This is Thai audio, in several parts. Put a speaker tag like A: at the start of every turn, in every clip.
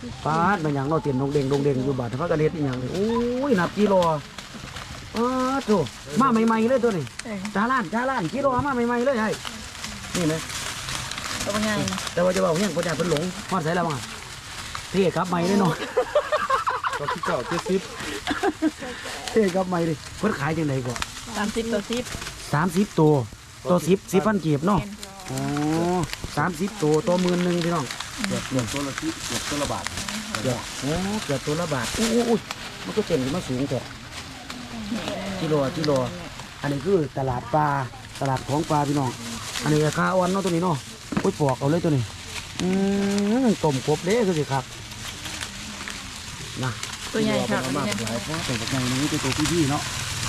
A: ปาดมันอย่างเราเตียนดงเด้งอยู่บาดพระกระเด็ดอย่างนี้โอ้ยนับกิโลโถมาใหม่ๆเลยตัวนี้จ้าล้านกิโลมาใหม่ๆเลยไอ้นี่นะ
B: ตัวใหญ่
A: แต่ว่าจะบอกเนี่ยคนใหญ่เพิ่นหลงฮอดใส่แล้วมั้งเท่ครับใหม่เลยเนาะ
C: ตัวที่เก่า70
A: เท่ครับใหม่เลยเพิ่นขายจังไดก่อน
B: 30ตัว
A: 30ตัว10,000กีบเนาะอ๋อ30ตัว10,000พี่น้อง
C: เกือบตัวละ10เกือบตัวละบาท
A: เกือบตัวละบาทอุ้ยมันก็เต็มมาสูงแค่กิโลอันนี้คือตลาดปลาตลาดของปลาพี่น้องอันนี้ราคาอ่อนเนาะตัวนี้เนาะอุ้ยปอกเอาเลยตัวนี้ต้มกบเด้คือสิครับนะ
B: ตัวใหญ่ครับ
A: มากหลายเพราะแต่กับใหญ่นี้ตัวพี่เนาะ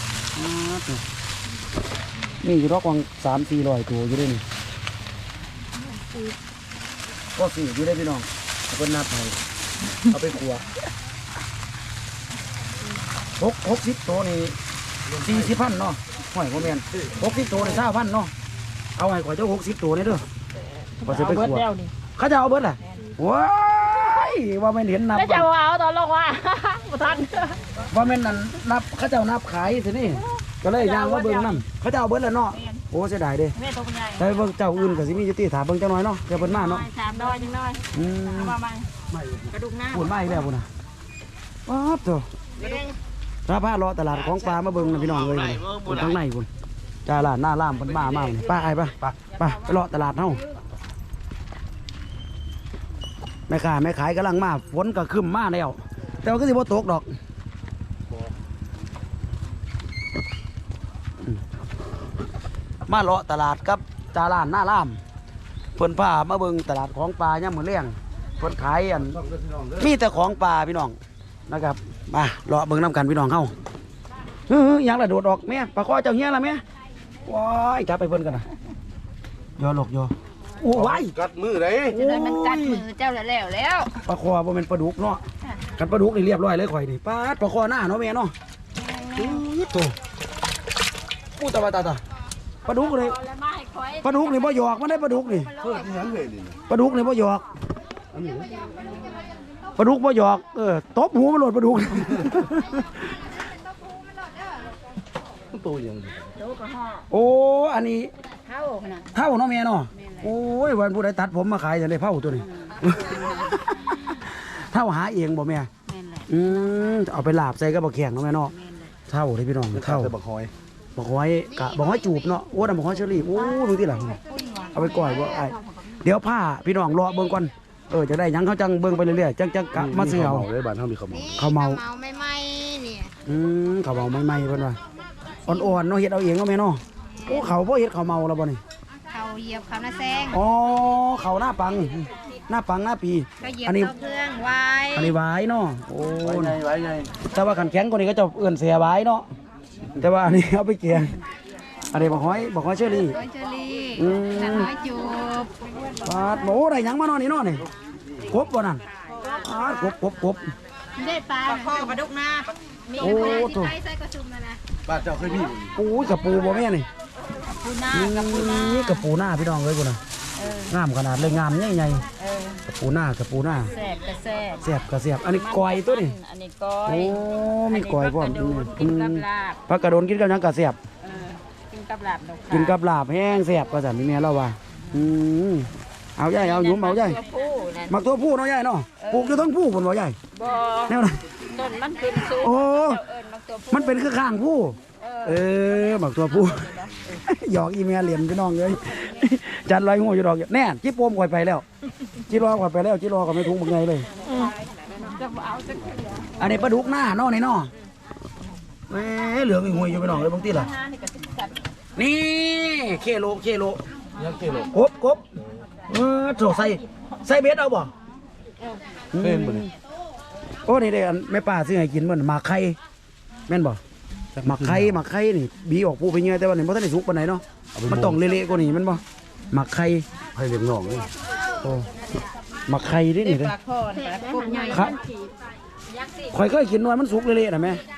A: นี่อยู่รอกวาง300-400ตัวอยู่ด้วยนี่ก็สี่อยู่ได้พี่น้องเอาเป็นนับไปเอาไปขัว60ตัวนี่40,000เนาะหอยโมเมน60ตัวนี่20,000เนาะเอาให้ข่อยเจ้า60ตัวนี่เด้อก็จะไปขัวเขาจะเอาเบิดล่ะว้ายว่าไม่เห็นนับ
B: แล้วจะเอาตอนลงว่าบ่ทัน
A: ว่าไม่นั่นนับเขาเจ้านับขายสินี่ก็เลยยางว่าเบิ่งน้ำเขาจะเอาเบิดแล้วเนาะโอ้เสียดายเด้แต่เบิ่งเจ้าอื่นก็สิมีอยู่ที่ถามเบิ่งเจ้าน้อยเนาะเจ้าเบิ่งมาเนาะ
B: 3 น้อยจังน้อยว่าไม่กระดูกหน้า
A: พูดมาอีกแล้วพุ่นน่ะป๊าบโตถ้าพาเลาะตลาดของปลามาเบิ่งนะพี่น้องเอ้ยพุ่นข้างในพุ่นจ้าล่ะหน้าล่ามพุ่นมากนี่ป้าไอ้ไปเลาะตลาดเฮาแม่ขายกำลังมาฝนก็ครึ้มมาแล้วแต่ว่าก็สิบ่ตกดอกมาเลาะตลาดกับจาร้านหน้าล่ามเพิ่นพามาเบิ่งตลาดของปลาย่ำมื้อเลี้ยงเพิ่นขายอันมีแต่ของปลาพี่น้องนะครับมาเลาะเบิ่งน้ำกันพี่น้องเฮายังละโดดออกแม่ปลาคอเจ้าเฮียละแม่ว้ายจับไปเพิ่นกันนะย่อหลกย่อโอ้ย
C: กัดมือเลย
B: จะได้มันกัดมือเจ้าแล้ว
A: ปลาคอบ่แม่นปลาดุกเนาะกันปลาดุกนี่เรียบร้อยเลยข่อยนี่ปลาคอหน้าเนาะแม่เนาะโตปูตาปลาดุกเลยปลาดุกนี่บ่หยอกมันได้ปลาดุกนี่ปลาดุกนี่บ่หยอกปลาดุกบ่หยอกตบหูมันหลดปลาดุก
C: ตัวยัง
A: โอ้อันนี้เท่าเนาะแม่เนาะโอ้ยวันผู้ใดตัดผมมาขายจะได้เท่าตัวนี้เท่าหาเองบ่แม่เอาไปลาบใส่ก็บ่แข็งเนาะแม่เนาะเท่าเลยพี่น้องเท่า
C: บักหอย
A: จูบเนาะโอ้ดำบักหอยเชอรี่โอ้ดูที่หลังเอาไปก่อยบ่ไอเดี๋ยวผ้าพี่น้องรอเบิ่งก่อนจะได้ยังเขาจังเบิ่งไปเรื่อยๆจังกะมาซื้อเอา
C: ได้บ้านเฮามีข้าว
A: เมา
B: ไม่เนี่ย
A: ข้าวเมาไม่เพิ่นว่าอ่อนๆเนาะเฮ็ดเอาเองเนาะแม่เนาะโอ้เขาบ่เฮ็ดข้าวเมาแล้วบ่นี่
B: เขาเหยียบเขาหน้าแซง
A: อ๋อเขาหน้าปังหน้าปี
B: อันนี้เครื่องไว้
A: อันนี้ไว้เนาะโอ้
C: ไว้ไง
A: แต่ว่าขันแข็งกว่านี้ก็จะเอื้อนเสียไว้เนาะแต่ว่าอันนี้เอาไปเกี่ยงอันนี้บอกหอยเชอรี่
B: หอยจูบ
A: ปาดโอ้ได้ยังมานอนนี่เนาะนี่กบบ่นั่นกบ
B: ได้ปลาข้อกระดุกหน้ามีโอ้โหใส่กระชุมนะ
C: บ้านเจ้าเคยพี่
A: โอ้ยกระปูบ่แม่นี่นี่กระปูหน้าพี่น้องเลยกูนะงามขนาดเลยงามใหญ่ๆกระปูหน้าแซ่บอันนี้ก้อยตัวนี่
B: อันนี้ก้อย
A: โอ้มีก้อยพร้อม
B: กินกับลาบ
A: ผักกระโดนกินกับยังกระแซ่บ
B: กินกับลาบ
A: แห้งแซ่บก็สั่นนี่แม่เราว่าเอาใหญ่เอาหยุ่มเอาใหญ่มักตัวผู้เนาะใหญ่เนาะปลูกอยู่ทั้งผู้คนบ่ใหญ่
B: บ่
A: แนวไหน
B: ต้นมันขึ้นสูง
A: โอ้มันเป็นคือข้างผู้มักตัวผู้หยอกอีเมียเหรียญพี่น้องเลยจัดลอยงูอยู่ดอกแน่จิ๊บโป่มก่อยไปแล้วจิ๊บรอก่อยไปแล้วจิ๊บรอก็ไม่ทุ่งบักไงเลยอันนี้ปลาดุกหน้าเนาะนี่เนาะเหลืองอีหวยอยู่พี่น้องเลยบางทีล่ะนี่เคโล
C: ยังเคโล
A: กบโถใส่เบ็ดเอาบ่
C: เป็นบ่นี่
A: โอ้นี่เด้แม่ป้าซื้อให้กินเหมือนหมากไข่แม่นบ่หมักไข่นี่บีออกปูไปเงี้ยแต่ว่านี่มันต้องได้สุกปานไหนเนาะมันต้องเละๆกว่านี้มันบ่หมักไข่
C: เลี้ยงน้องนี่
A: โอ้หมักไข่ดินี่เลยครับข่อยเคยกินว่ามันสุกเละๆนะแม่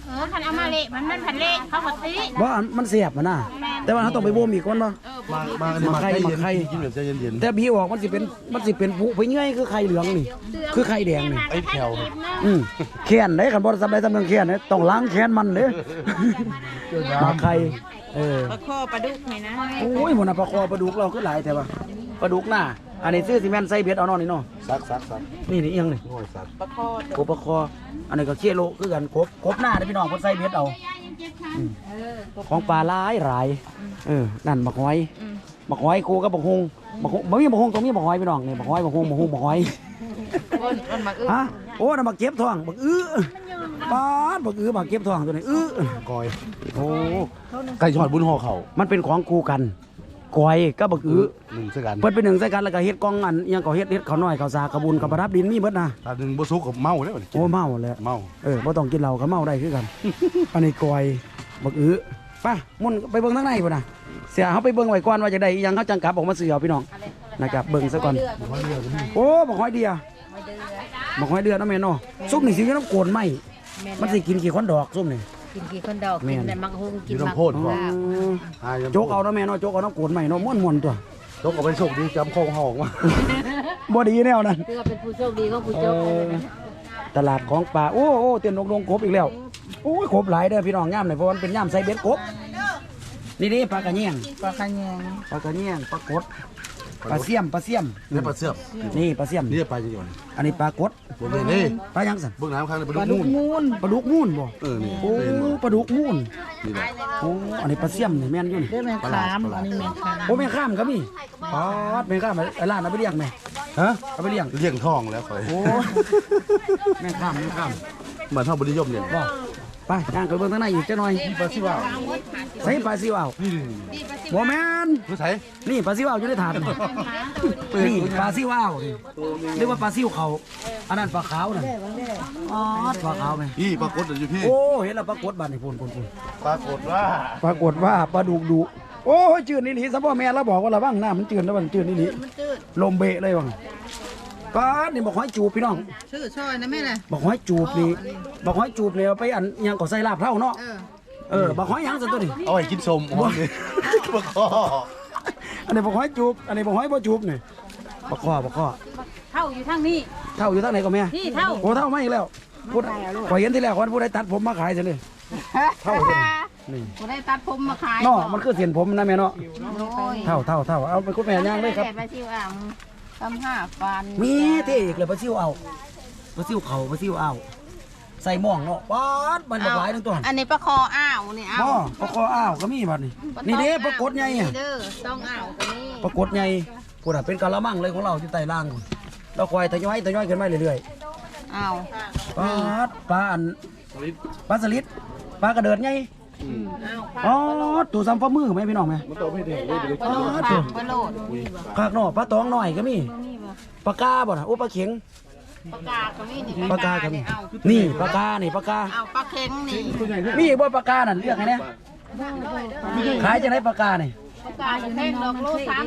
B: คันเอามาเละมันผัดเละเขาผัดตี
A: ว่ามันเสียบมันน่ะแต่ว่าเขาต้องไปบ่มอีกก่อนเนาะ
C: มาไข่กินแบบใจเย็น
A: แต่บีออกมันสิเป็นผู้ไปเงื่อยคือไข่เหลืองนี่คือไข่แดงนี่
C: ไอ้แถว
A: แค้นได้คันบ่ทำได้ทำเรื่องแค้นเด้ต้องล้างแค้นมันเด้มาไข่
B: ปลาข้อปลาดุกไหมนะ
A: โอ้ยหมดน่ะปลาคอปลาดุกเราคือหลายแต่ว่าปลาดุกหน้าอันนี้ซื้อซีเมนต์ใส่เบ็ดเอาเนาะนี่เนาะ
C: ซัก
A: นี่เอียงนี่
C: โอ้ยซัก
B: ปลาข้อ
A: กบปลาคออันนี้ก็เคี่ยโลคือกันกบหน้าเด้อพี่น้องเพิ่นใส่เบ็ดเอาของปลาหลายนั่นบักหอยกูกับบักฮงบ่มีบักฮงตรงนี้บักหอยพี่น้องนี่บักหอยบักฮงบักหอย
B: มันมา
A: ฮะโอ้น่ะบักเก็บท้องบักปาดบักบักเก็บท้องตัวนี้
C: กอย
A: โอ้
C: ไก่ชอดบุญห่อเข่า
A: มันเป็นของกูกันก้อยก็บัก
C: หนึ่งสักกัน
A: เพิ่นเป็นหนึ่งใส่กันแล้วก็เฮ็ดกองอันอิหยังก็เฮ็ดข้าวน้อยข้าวสากระบุญกับประดับดินมีเบิดนะ
C: ตาหนึ่งบ่สุกกับเมาแล้ว
A: โอ้เมาแล้ว
C: เมา
A: บ่ต้องกินเหล้าก็เมาได้คือกัน อันนี้ก้อยบักไปมุ่นไปเบิ่งทางในพุ่นน่ะเสียเฮาไปเบิ่งไว้ก่อนว่าจะได้อิหยังเฮาจังกลับออกมาซื้อเอาพี่น้องนะครับเบิ่งซะก่อนโอ้บักหอยเดียบักหอยเดือเนาะแม่เนาะซุปนี่สิอยู่น้ำโกนไหมมันสิกินกี่คนดอกซุปนี่
B: กินกี่คนดอกกินแต่มังฮงกินมัง
A: โจกเอาเนาะแม่เนาะโจกเอาน้ำโกนไหมเนาะม่วนๆตัว
C: โจกเอาไปโชคดีจำโค้งห่อออกมา
A: บ่ดีแนวนั้น
B: เพื่อเป็นผู้โชคดีของผู้โชค
A: ตลาดของป่าโอ้เตียนลงกบอีกแล้วโอ้ยกบหลายเด้อพี่น้องย่ามหน่อยเพราะมันเป็นย่ามใส่เบ็ดกบนี่ปลากระเนียงปลากระเนียงปลากดปลาเสี่ยม
C: นี่ปลาเสือบ
A: นี่ปลาเสี่ยม
C: นี่ปลาจะหย่อน
A: อันนี้ปลากด
C: บนนี่
A: ปลายังสัน
C: เบื้องน้ำข้างในปลาดุกมูน
A: ปลาดุกมูนบ่
C: นี่
A: โอ้ปลาดุกมูน
C: นี่แหละ
A: โอ้อันนี้ปลาเสี่ยมนี่แม่นอยู่นี่
B: แม่ขามอันนี้แม่ขาม
A: โอ้แม่ข้ามก็มีป๊อดแม่ข้ามไอ้ร้านเอาไปเลี้ยงแม่
C: ฮะ
A: เอาไปเลี้ยง
C: เลี้ยงทองแล้วคอย
A: โอ้แม่ข้าม
C: เหมือนเท่าบริยมเนี่ย
A: บ่ไปย่างไปเบิ่งทางในอีกจักหน่อย
C: ปลาซิว่าว
A: ใส่ปลาซิวเอาบ่แม่น
C: ผู้ใส่
A: นี่ปลาซิวเอาอยู่ในถาดนี่ปลาซิวเอานี่เรียกว่าปลาซิวเขาอันนั้นปลาขาวน่ะอ๋อปลาขาวไหม
C: พี่ปลากดอยู่พี่
A: โอ้เห็นแล้วปลากดบาดนี่พูน
C: ปรากฏว่า
A: ปรากฏว่าปลาดุกดุโอ้ยจืดนี่หลีซะพ่อแม่เราบอกว่าระวังน้ามันจืดแล้วมันจืดนี่หลีลมเบะเลยว่ะปลานี่บอกหอยจูบพี่น้อง
B: ชื่อช่อยนะแม่น่ะ
A: บอกหอยจูบนี่บอกหอยจูบเนี่ยเอาไปอันยังก็ใส่ลาบเท่าเนาะบอกหอยยังซะตัวนี้
C: เอาไว้กินสมอ๋อนี่ปลาคอ
A: อันนี้บอกหอยจูบอันนี้บอกหอยบ่จูบนี่บอกข้อ
B: เท่าอยู่ทางนี้
A: เท่าอยู่ทางไหนก็แม่
B: ที่เท่า
A: โอ้เท่าไม่อีกแล้วพูดขอยเห็นที่แรกวันผู้ใดตัดผมมาขายซะเลยเท่าเลยนี่
B: บ่ได้ตัดผมมาขาย
A: เนาะมันคือเสียนผมนะแม่เนาะ
B: โอ้ย
A: เท่าเอาไปคุณแม่ย่างเลยครับ
B: ไปซิวอ่างทำห้าฟัน
A: มีเท่อีกเลยปลาซิวเอาปลาซิวเขาปลาซิวเอาใส่หม่องเนาะป๊าดมันหลายทั้งตัว
B: อันนี้ปลาคออ้าวนี่อ้าว
A: บ่ปลาคออ้าวก็มีบัดนี่นี่เด้ปลากดใหญ่อะ
B: เด้อต้องอ้าวตัวนี้
A: ปลากดใหญ่พูดอ่ะเป็นกะละมังเลยของเราที่ใต้ล่างพุ่นเราคอยทยอยขึ้นมาเรื่อย
B: อ้าว
A: ๆปลาอันปลาสลิดปลากระเดิดใหญ่
B: อ้าว
A: อ๋อตัวซ้ำฝ่ามือไหมพี่น้องไหม
C: มันโตไม่แดงเลยไปเลย
B: ปลาโลดปลาโลด
A: ภาคนอกปลาตองหน่อยก็มีปลากาบ่น่ะโอ้ปลาเข็ง
B: ปลากาก็มีนี่
A: ปลากาก็มี
B: เอา
A: นี่ปลากานี่ปลากา
B: เอาปลาเค็งนี่
A: มีบ่ปลากานั่นเรียกไงเนี่ยขายจะได้ปลากานี่
B: ปลากาอยู่ในดอกโล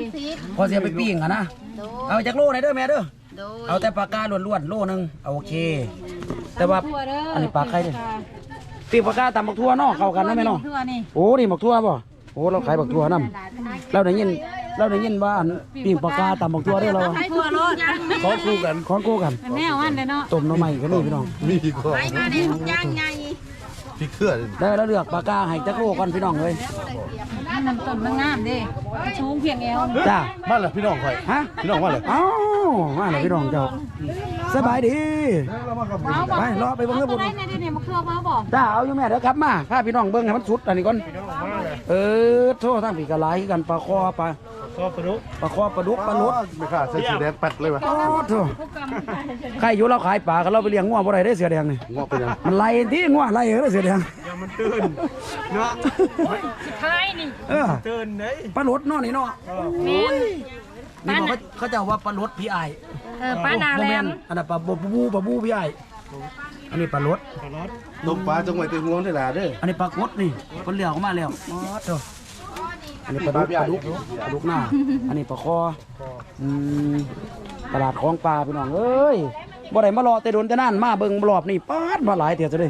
B: 30
A: พอเสียไปปิ้งอ่ะนะ
B: โด
A: เอาจากโลไหนเด้อแม่เด้อ
B: โดย
A: เอาแต่ปลากาล้วนๆโลนึงเอาโอเค แต่ว่าอันนี้ปลาไข่เด้อปิ้งปลากาตำบักทั่วเนาะเข้ากันเนาะแม่เนาะ
B: ทั่วนี่
A: โอ้นี่บักทั่วบ่โอ้เราขายบักทั่วนำเราได้ยินว่าอันปิ้งปลากาตำบักทั่วเด้อเรา
B: ให้ทั่วโลด
C: ขอคู่กัน
A: ของกูกัน
B: แม่วันเลยเนาะ
A: ต้มหน่อไม้ก็มีพี่น้อง
C: มีดีกว่า
B: ไปมาเนี่ยย่างใหญ่
C: พี่เครือ
A: ได้แล้วเลือกปลากาให้จักโลก่อนพี่น้องเลย
B: น้ำต้นมันงามดิชูงเพียงเอว
A: จ้า
C: มาเลยพี่น้องคอย
A: ฮะ
C: พี่น้องมาเลย
A: เอ้ามาเลยพี่น้องเจ้าสบายดีไปรอไปเบิ่งเด้อพุ่น
B: ได้เนี่ยมาเคลือบมาบอก
A: จ้าเอาอยู่แม่เด้อครับมาพาพี่น้องเบิ่งให้มันสุดอันนี้ก่อนโทษทางพี่กะหลายคือกันปลาคอปลาคอปลาดุกปลาลด
C: ไม่ค่ะใส่สีแดงแป๊ดเลยวะ
A: โอ้โธ่ใครอยู่เราขายปลาก็เราไปเลี้ยงงัวบ่ได้ได้เสือแดงนี่
C: งอกไปยัง
A: มันไล่ที่งัวไล่เด้อเสือแดง
B: ท้ายนี่
A: ตื่นเด้ปลาลดเนาะนี่เนาะ
B: แม่น
A: นี่บอกเขาจะว่าปลาลดพี่ไอ
B: ป้านาแลม
A: อันนั้นปลาบูพี่ไออันนี้ปลาลด
C: ต้มปลาจังหวัดเตียงวงได้ละเด้อ
A: อันนี้ปลากดนี่คนเหลียวเข้ามาแล้วอ๋อโธ่อันนี้ปลาดุกหน้าอันนี้ปลาคอตลาดของปลาพี่น้องเอ้ยบ่ได้มารอแต่โดนแต่นั่นมาเบิ่งรอบนี่ป๊าดมาหลายเถี่ยซะเลย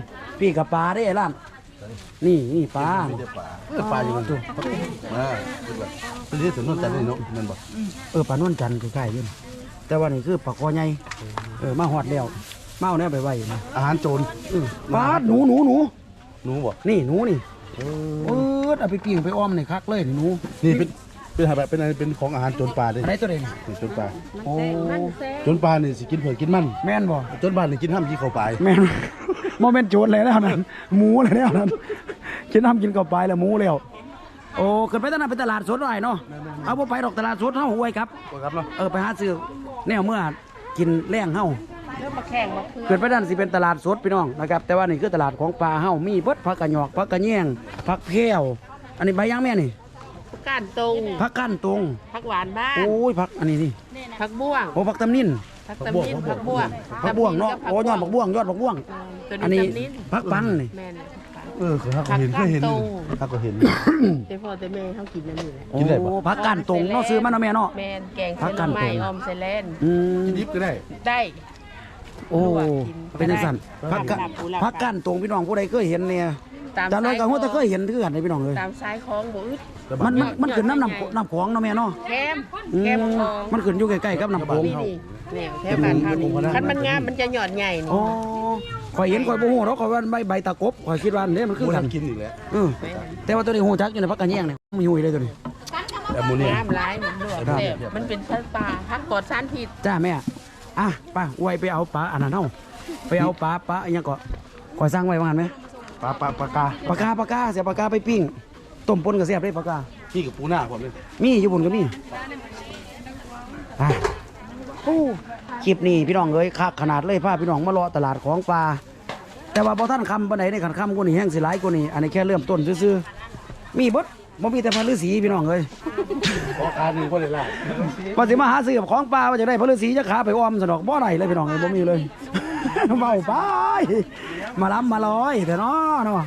A: ปีกับปลาได้ไอ้ล้านนี่ปลา
C: ไม่ได้ปลาปลาอยู่มันตัวคือแบบเป็นที่ถนนจันทร์นี่เนาะนั่นบ่
A: ปลานวลจันทร์คือใกล้ๆอยู่แต่ว่านี่คือปลาคอใหญ่มาฮอดแล้วมาเอาแนวไปไว้นะ
C: อาหารโจร
A: ปลาหนู
C: หนูบ่
A: นี่หนูนี่เอาไปปิ้งไปอ้อมนี่คักเลยนี่หนู
C: นี่เป็นอะไรเป็นของอาหารโจรปลาเด้
A: อะไรตัวเด่น
C: โจรปลา
A: โอ้
C: โจรปลานี่สิกินเผือกกินมัน
A: แม่นบ่
C: โจรบ้านนี่กินห้ามกินเข้าไป
A: แม่น โมเมนต์โจรเลยแล้วนั่นหมูเลยแล้วนั่นกินน้ำกินกับไปแล้วหมูแล้วโอ้ขึ้นไปตลาดเป็นตลาดสดหน่อยเนาะเอาบ่ไปดอกตลาดสดเฮาห่วยครับ
C: ครับเนาะ
A: ไปหาซื้อแนวเมื่อกินแรงเฮา
B: เริ่มมาแข่งมาคือ
A: เกิดไปด้านสิเป็นตลาดสดพี่น้องนะครับแต่ว่านี่คือตลาดของปลาเฮามีเบิดผักกระหยอกผักกระแยงผักแพรวอันนี้ใบย่างแม่นี่
B: ก้านตรง
A: ผักก้านตรง
B: ผักหวานบ้าน
A: โอ้ยผักอันนี้นี่
B: ผักบ้วง
A: โอ้ผักตำนิน
B: ผักตำนินผักบ้วง
A: ผักบ่วงเนาะโอ้ยอดผักบ่วงยอดผักบ่วง
B: ตัว
A: อัน
B: นี้
A: นี้
B: ตำนิน
A: ผักปังนี่
B: แม่น
C: เขาเห็นเคยเห็นเขาก็เห็น
B: แต่พ่อแต่แม่เขากินนั่นนี่แหละ
A: โอ้
C: กินได้ปะ
A: ผักก้านตรงเนาะซื้อมาเนาะแม่เนาะ
B: แม่นแกง
A: ผั
B: เส้
A: ก
B: น
A: ก้าน
B: ไม้
A: ตรง
B: ออมใส่แลน
A: อืม
C: กินดิบก็ได้
B: ได้
A: โอ้เป็นจังซั่นผักกะ
B: ปูหลับ
A: ผักก้านตรงพี่น้องผู้ใดเคยเห็นเนี่ย
B: ตาม
A: จานน้อยก็ฮู้แต่เคยเห็นคือกันพี่น้องเลย
B: ตามซ้ายคลองบ่อึด
A: มันขึ้นน้ำของเนาะแม่เนาะ
B: แคม
A: อื
B: แคม
A: ม
B: คลอง
A: มันขึ้นอยู่ใกล้ๆกับน้ำโขง
B: นี่แนวแถวบ้านเฮานี่คันมันงามมันจะหยอดใหญ่นี่
A: อ๋อข่อยเห็นข่อยบ่ฮู้เนาะข่อยว่าใบตะกบข่อยคิดว่าเนี่ยมันคือ
C: กู
A: กัน
C: ทำกินอีกแล้ว
A: แต่ว่าตัวนี้ฮู้จักอยู่ในพักกะแยงเนี่ยมีฮู้เลยตัวนี้
C: แอมโมเนีย
B: งามหลายมันลวก
A: ครับ
B: แซ่บมันเป็นสัตว์ป่าพักปลอดสารพิษ
A: จ้าแม่อ่ะป้าอวยไปเอาปลาอันนั้นเฮาไปเอาปลาอันยังก็ข่อยสร้างไว้ว่างั้นไหม
C: ปลา
A: ปลากาเสียปลากาไปปิ้งต้มปนก็แซ่บได้ปลากา
C: ขี้กับปูหน้าผมเลย
A: มีอยู่บนก็มีอ่ะโอ้คลิปนี้พี่น้องเอ้ยคักขนาดเลยพาพี่น้องมาเลาะตลาดของปลาแต่ว่าบ่ท่านคำปานใดในขันคำกว่านี้แห้งสิหลายกว่านี้อันนี้แค่เริ่มต้นซื่อๆมีเบิดบ่มีแต่พระฤาษีพี่น้องเอ้ย
C: ขอการหนึ่งก็เลยล่ะ
A: ว่าสิมาหาซื้อของปลาว่าจะได้พระฤาษีจะขาไปอ้อมสนอกบ่ได้เลยพี่น้องเอ้ยบ่มีเลย เบาไปมาล้ำมาลอยแต่เนาะ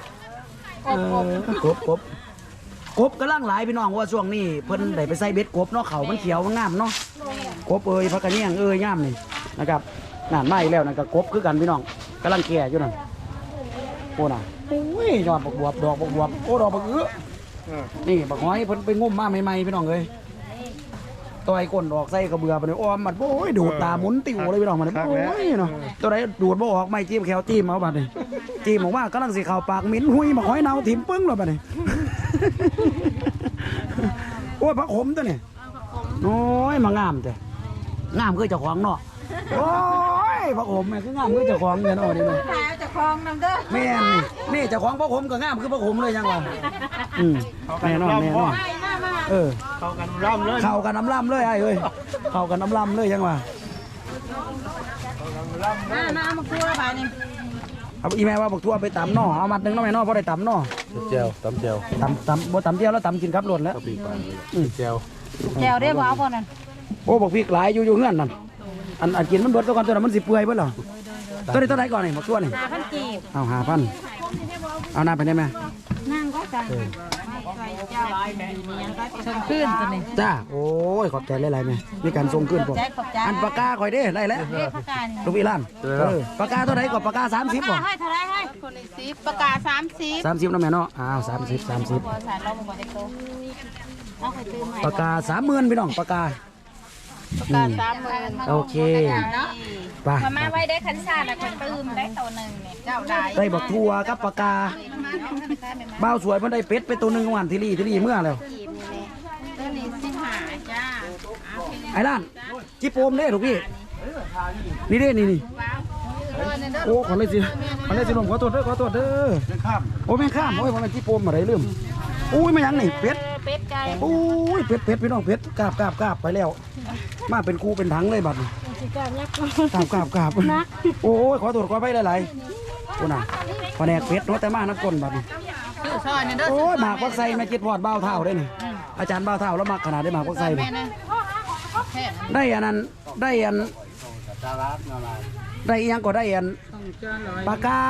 A: กบกำลังหลายพี่น้องว่าช่วงนี้เพิ่นได้ไปใส่เบ็ดกบเนาะเขามันเขียวมันงามเนาะกบพักกระเนียงงามนี่นะครับนั่นมาอีกแล้วนั่นก็กบคือกันพี่น้องกำลังแก่อยู่นั่นโอ้น่ะโอ้ยยอดบักบวบดอกบักบวบโอ้ดอกบักนี่บักหอยเพิ่นไปงมมาใหม่ๆพี่น้องเอ้ยตัวไอ้ก้นดอกใส่กระเบือไปเลยอ้อมมันโอ้ยดูดตาหมุนติ่วเลยพี่น้องมันโอ้ยเนาะตัวไหนดูดบ่ออกไม่จิ้มแขวจิ้มเอาบัดนี้จิ้มออกมากำลังสิเข้าปากมิ้นหุยบักหอยเน่าถิ่มปึ้งเลยบัดนี้ โอ้ยผักขมตัวนี่โอ้ยมางามแต่งามคือเจ้าของเนาะโอ้ยผักขมแม่คืองามคือเจ้าของเนี่ยเนาะนี่แม่
B: ขายจะคลองนำเด้อ
A: แม่นี่เจ้าของผักขมก็งามคือผักขมเลยยังวะแน่นอนเข้ากันน้ำล่ำเลยไอ้เอ้ยเข้ากันน้ำล่ำเลยยังวะ
B: มาเอามาคั่วไปนี่
A: เอาอีแม่ว่าบอกทั่วไปตำเนาะเอามัดหนึงเนาะแม่เนาะพอได้ตำเนาะ
C: เจลตำเจล
A: ตำบ่ตำเดียวแล้วตำกินครับหล่นแล้ว
C: ก็ปีกปลาเจล
B: แก้วได้บ่เอาบ่นั่น
A: โอ้บอกพริกหลายอยู่เฮือนนั่นอันกินมันเบิดตัวก่อนตัวนั้นมันสิเปื่อยเบิดเหรอตัวนี้ตัวไหนก่อนนี่บอกทั่วนี่
B: 5,000กีบ
A: เอา5,000เอาหน้าไปได้ไหม
B: นั่งก็จ้ะส่งขึ้นตัวนี้
A: จ้าโอ้ยขอบใจหลายๆแม่มีการส่งขึ้นผม
B: ขอบใจ
A: อันปากกาข่อยเด้ได้แล้ว
B: เรียกปากกานี่
A: ลูกพี่ล้านปากกาตัวไหนก่อนปากกา30บ่
B: ให้เท่าไรให้คนละ10ปากกา30
A: 30นะแม่เนาะอ้าว30
B: บ่สารเราบ่ได้โตเอาไปซื้อใหม่
A: ปากกา30,000พี่น้องปากกา
B: ปากกา30,000
A: โอเคไป
B: มาไว้ได้คันชาติแล้วคนตื้มได้ตัวนึงเนี่ยเจ้าได้
A: ได้บักทั่วกับปากกาบ้าวสวยเพิ่นได้เป็ดไปตัวหนึงวันที่รี่เมื่อแล้ว
B: ตัวนี้15จ้า
A: ไอ้ล้านจิโปมเด้ลูกพี่นี่เด้นี่โอ้ขอเลยสิลมขอโทษเด้อ
C: ยังข้าม
A: โอ้แม่งข้ามโอ้ยมันจิโปมอะไรลืมอุ้ยไม่ยังนี่เป็ด
B: เป็ดไก่
A: โอ้ยเป็ดพี่น้องเป็ดกราบไปแล้ว มาเป็นกูเป็นถังเลยบัดนี้กราบโอ้ยขอโทษขอไปหลายๆโอ้น่ะแผนกเป็ดเนาะแต่มานักก้นบัดนี้
B: ซอยนี่เด้อ
A: โอ้ยหมากวักไซแม่จิตพอดเบ้าเท่าได้นี่อาจารย์เบ้าเท่าแล้วมักขนาดได้หมากวักไซนี่ได้อันนั้นได้อันได้อีหยังก็ได้อันปากกา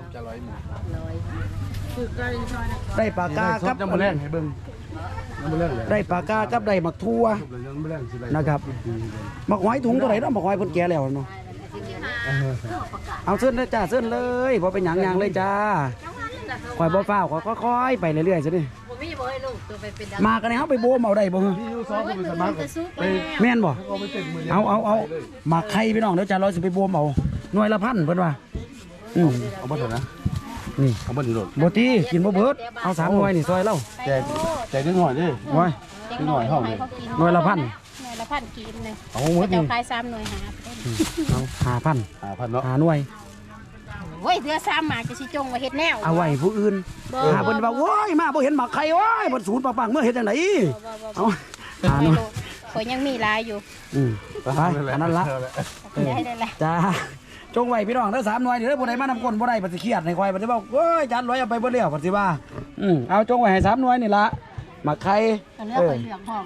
A: ได้ปากกากับ
C: ยังมาแรงให้เบิ้งยังมาแรงเลย
A: ได้ปากกากับได้หมักทั่ว
C: ยังมาแรงสิไร
A: นะครับหมักหอยถุงตัวไหนเนาะหมักหอยเพิ่นแก่แล้วเนาะเอาเส้นเลยจ้าเส้นเลยบ่เป็นหยังเลยจ้าคอยบ่ฟ้าวค่อยๆไปเรื่อยๆซะดิมากันเนี่ยเฮาไปโบมเอาได้บ่
C: พี่ยูซอฟเป็นสมัครไป
A: แม่นบ่
C: เอาไปเต็มมือ
A: เอามาไข่พี่น้องเดี๋ยวจ้าร้อยสิไปโบมเอาหน่วยละพันเพิ่นว่า
C: เอาบ่เถอะนะ
A: นี่
C: เอาบ่ดีโลด
A: บ่ตีกินบ่เบิดเอา3หน่วยนี่ซอยเรา
C: แจกนิดหน่อยดิ
A: โอ้ย
C: นิดหน่อยเฮานี่
A: หน่วยละพัน
B: หน่วยละพันกินเลย
A: เอาหมด
B: เจ้า
A: นี่
B: ขาย3หน่วยหา
A: เอา5,000
C: 5,000เนาะ
A: หน่วย
B: โอ้ยเดือ3หมากจะสิจงไว้เฮ็ดแนว
A: เอาไว้ผู้อื่นหาเพิ่นว่าโอ้ยมาบ่เห็นหมักไข่โอ้ยบ่ศูนย์ปังๆเมื่อเฮ็ดจังไดเอาหาหน่วย
B: ข่อยยังมีหลายอยู่
A: ไปอันนั้นละ
B: ได้แหละ
A: จ้าจงไว้พี่น้องเด้อ3หน่วยนี่เด้อผู้ใดมานำคนบ่ได้ปฏิเครียดให้ข่อยบ่ได้บอกโอ้ยจานร้อยเอาไปบ่แล้วปฏิว่าเอาจงไว้ให้3หน่วยนี่ละหมักไข่
B: อันนี้ข่อยเลือกของ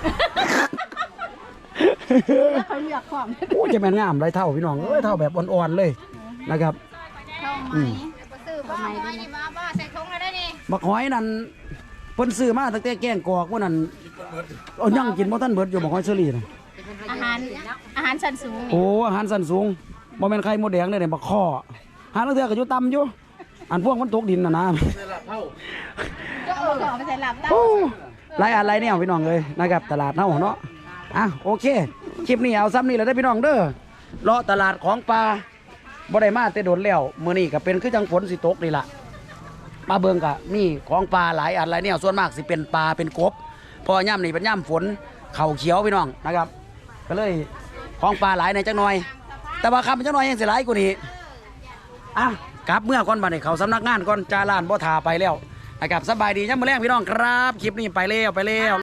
B: ข่อยเลือกของ
A: โอ้ยจะแม่นงามไรเท่าพี่น้องเอ้ยเท่าแบบอ่อนๆเลยนะครับ
B: เข้าไหมซื้อบ่ไหมนี่มาใส่ถุงแล้วได้นี่
A: บักหอยนั่นเพิ่นซื้อมาตั้งแต่แกงกอกมื้อนั้นเอายังกินบ่ทันเบิดอยู่บักหอยเชอรี่น่ะ
B: อาหารชั้นสูง
A: โอ้อาหารสันสูงบ่แม่นไข่มดแดงเลยเนี่ยบักข้อหาลางเทื่อก็อยู่ต่ำอยู่อันพวกมันตกดินน่ะนะ
B: ก็เอาไปใส่หลับได้
A: โอ้หลายอันหลายแนวพี่น้องเลยนะครับตลาดเฮาเนาะอ่ะโอเคคลิปนี้เอาซ้ำนี่แหละเด้อพี่น้องเด้อเลาะตลาดของปลาบ่ได้มาแต่โดนแล้วมื้อนี้ก็เป็นคือจังฝนสิตกนี่ล่ะมาเบิ่งก็มีของปลาหลายอันหลายแนวส่วนมากสิเป็นปลาเป็นกบเพอย่ำนี่เป็นย่ำฝนเข่าเขียวพี่น้องนะครับ ก็เลยของปลาหลายในจังหน่อย แต่ว่าคำจังหน่อยยังสิหลายกว่านี้อ่ะกลับเมื่อก่อนบัดนี้เขาสำนักงานก่อนจาลานบ่ทาไปแล้วนะครับสบายดียังมื้อแรงพี่น้องครับคลิปนี้ไปแล้ว